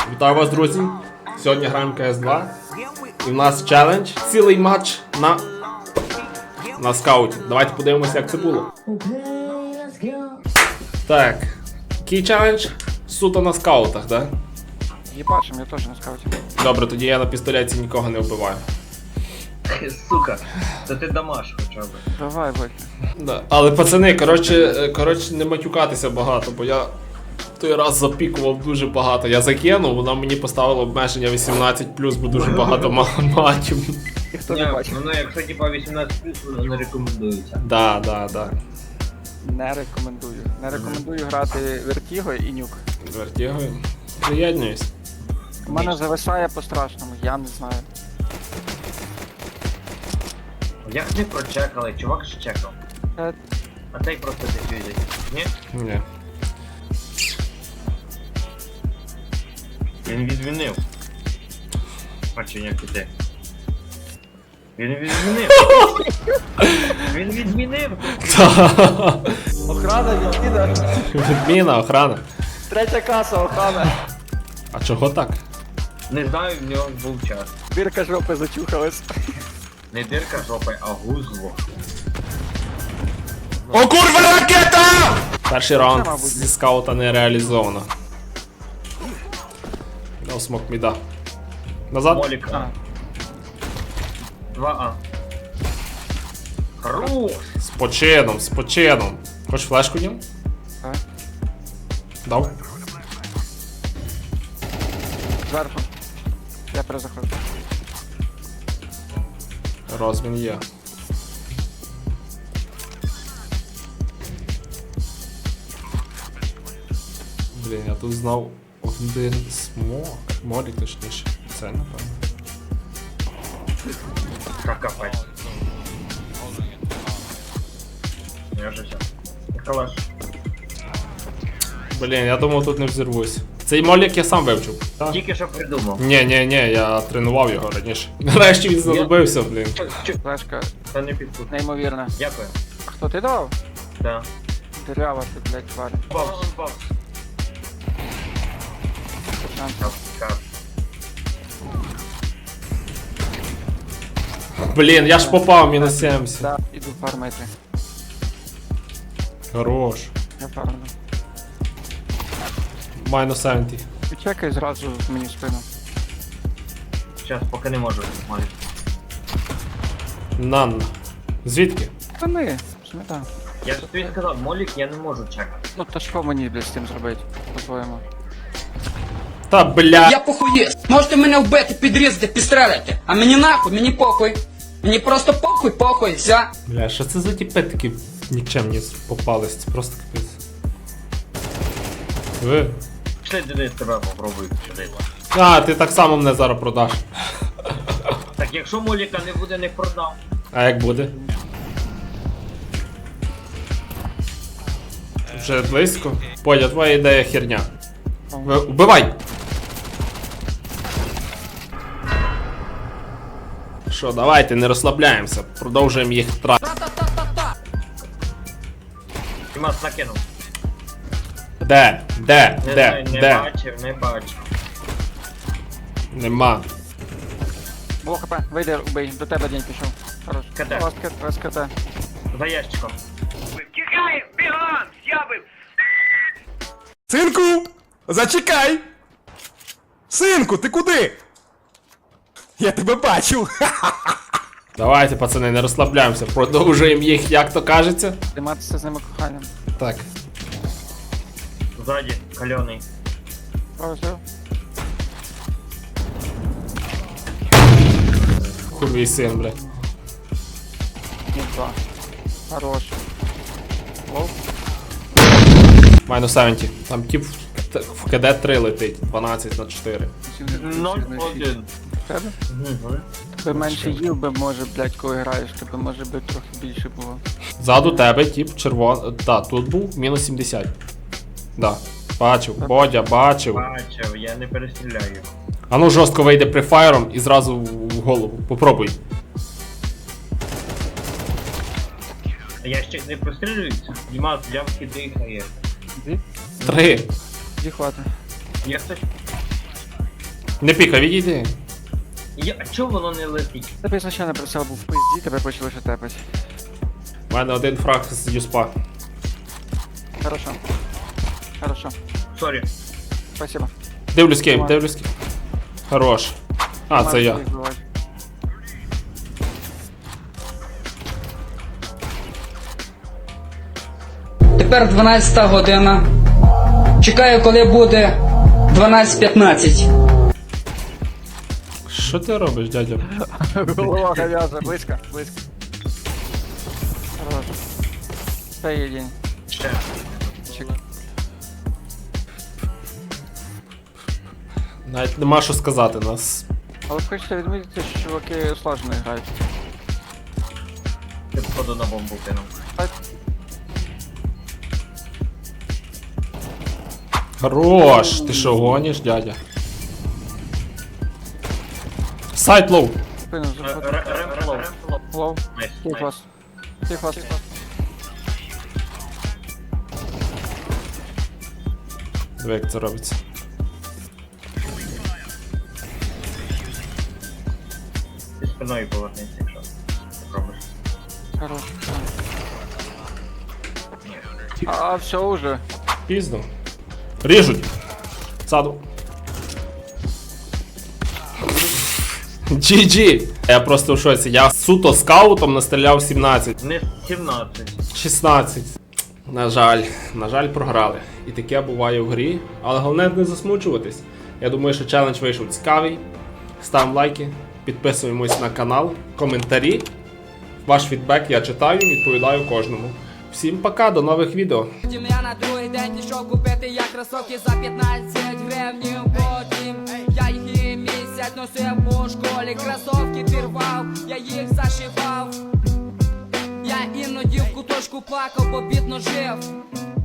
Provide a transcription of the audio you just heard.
Вітаю вас, друзі! Сьогодні граємо CS2. І в нас челендж. Цілий матч на скауті. Давайте подивимося, як це було. Так. Який челендж? Суто на скаутах, так? Єбашим, я теж на скауті. Добре, тоді я на пістолеті нікого не вбиваю. Сука, то ти дамаш хоча б. Давай, вихід. Да. Але пацани, коротше, не матюкатися багато, бо я той раз запікував дуже багато. Я закинув, вона мені поставила обмеження 18+, бо дуже багато матів. Ніхто не бачив. Воно, якщо типа 18+, воно не рекомендується. Да. Не рекомендую. Не рекомендую грати Вертіго і Нюк. Вертігою. Приєднуюсь. У мене зависає по-страшному, я не знаю. Як не прочекали, чувак ж чекав. А цей просто дефюзить. Ні? Ні. Він відмінив. Бачу, як іде. Він відмінив. Він відмінив. Охрана відкида. Відміна, охрана. Третя каса, охрана. А чого так? Не знаю, в нього був час. Бірка жопи зачухалась. Не дирка жопи, а гузло. О, курва, ракета! Перший раунд Це, мабуть. зі скаута не реалізовано. Дав смок міда. Назад. Молік А. А. 2А. Хорош! З почином. Хочеш флешку дім? Так. Дав. Зверху. Я перезаходжу. Розмін є. Блін, я тут знав один смок. Молік точніше. Це напевно. Как копать? Я вже все. Калаш. Блін, я думав тут не взірвусь. Цей молік я сам вивчив. Тільки що придумав. Ні, я тренував його раніше. Нарешті він знадобився, блін. Флешка Та не підпут. неймовірна. Дякую. А хто ти давав? Да. Дырява ти, блядь, тварь. Павс. Кап. Блін, я ж попав, мінус 70. Да, іду фармити. Хорош. Я фармлю. Майнус 70. Чекай зразу мені в спину. Сейчас, поки не можу. Молік. Нанна. Звідки? Та ми, смета. Я ж тобі сказав, молік я не можу чекати. Ну то що мені, блядь, з цим зробити, по-твоєму? Та бля. Я похуєст. Можете мене вбити, підрізати, підстрелити. А мені нахуй, мені похуй. Мені просто похуй, все. Бля, що це за тіпи такі нікчемні попались? Це просто капець. Ви. Пішли Денис, тебе попробую сюди. А, ти так само мене зараз продаш. Так якщо моліка не буде, не продам. А як буде? Вже близько. Подя, твоя ідея херня. Вбивай! Що, давайте, не розслабляємося. Продовжуємо їх тратити. Тімас накинув. Де? Не бачив. Нема. Було хп, вийди, убий, до тебе день пішов. Хорош. КТ. СКТ. За ящиком. Синку, зачекай! Синку, ти куди? Я тебе бачу. Давайте, пацани, не розслабляємося. Продовжуємо їх, як то кажеться. Займатися з ними коханням. Так. Ззаді, кальоний. Все. Курвій син, бля. Ні, 2. Хорош. Лоу. Майнус 70. Там тип в КД 3 летить. 12 на 4. 0-1. Тебе? Би менше їв би, може, блядь, коли граєш, тебе може би трохи більше було. Ззаду тебе, тип червоний. Та, тут був мінус 70. Да. Бачив. Бодя, бачив. Бачив, я не перестріляю його. А ну жорстко вийде префайром і зразу в голову. Попробуй. Ящик не прострілюється? Дімас, ямки дихає. Дві? 3. Дві хвати. Є хтось? Не пікай, відійди. А чого воно не летить? Тебе ізначально прицел був в пизді, тебе почали ще тепать. У мене один фраг з юспа. Хорошо. Хорошо. Сорі. Спасибо. Дивлюсь кейм, дивлюсь кейм. Хорош. А, це я. Можеш їх бивати. Тепер 12 година. Чекаю, коли буде 12:15. Що ти робиш, дядя? Голова говяжа, близько, близько. Хорош. Це є день. Ще. Чек. Навіть нема що сказати нас. Але хочеться відмітити, що чуваки слажено грають. Ти походу на бомбу кинув. Хорош! Ти що, гониш, дядя? Сайт лоу. Спину заходить. Ремфлоу. Лоу. Найс, Тих найс. вас. Тих вас. Диви, як це робиться. Ти спиною повернися, якщо робиш. Хорош. А, все уже. Пізно. Ріжуть. Саду. GG. Я просто в шоці. Я суто скаутом настріляв 17. Не 17. 16. На жаль, програли. І таке буває в грі. Але головне не засмучуватись. Я думаю, що челендж вийшов цікавий. Ставимо лайки, підписуємось на канал, коментарі. Ваш фідбек я читаю, відповідаю кожному. Всім пока, до нових відео. Потім я на другий день пішов купити я кросовки за 15 гривнів. Потім я їх і місяць носив по школі. Кросовки пірвав, я їх зашивав. Я іноді в куточку плакав, бо бідно жив.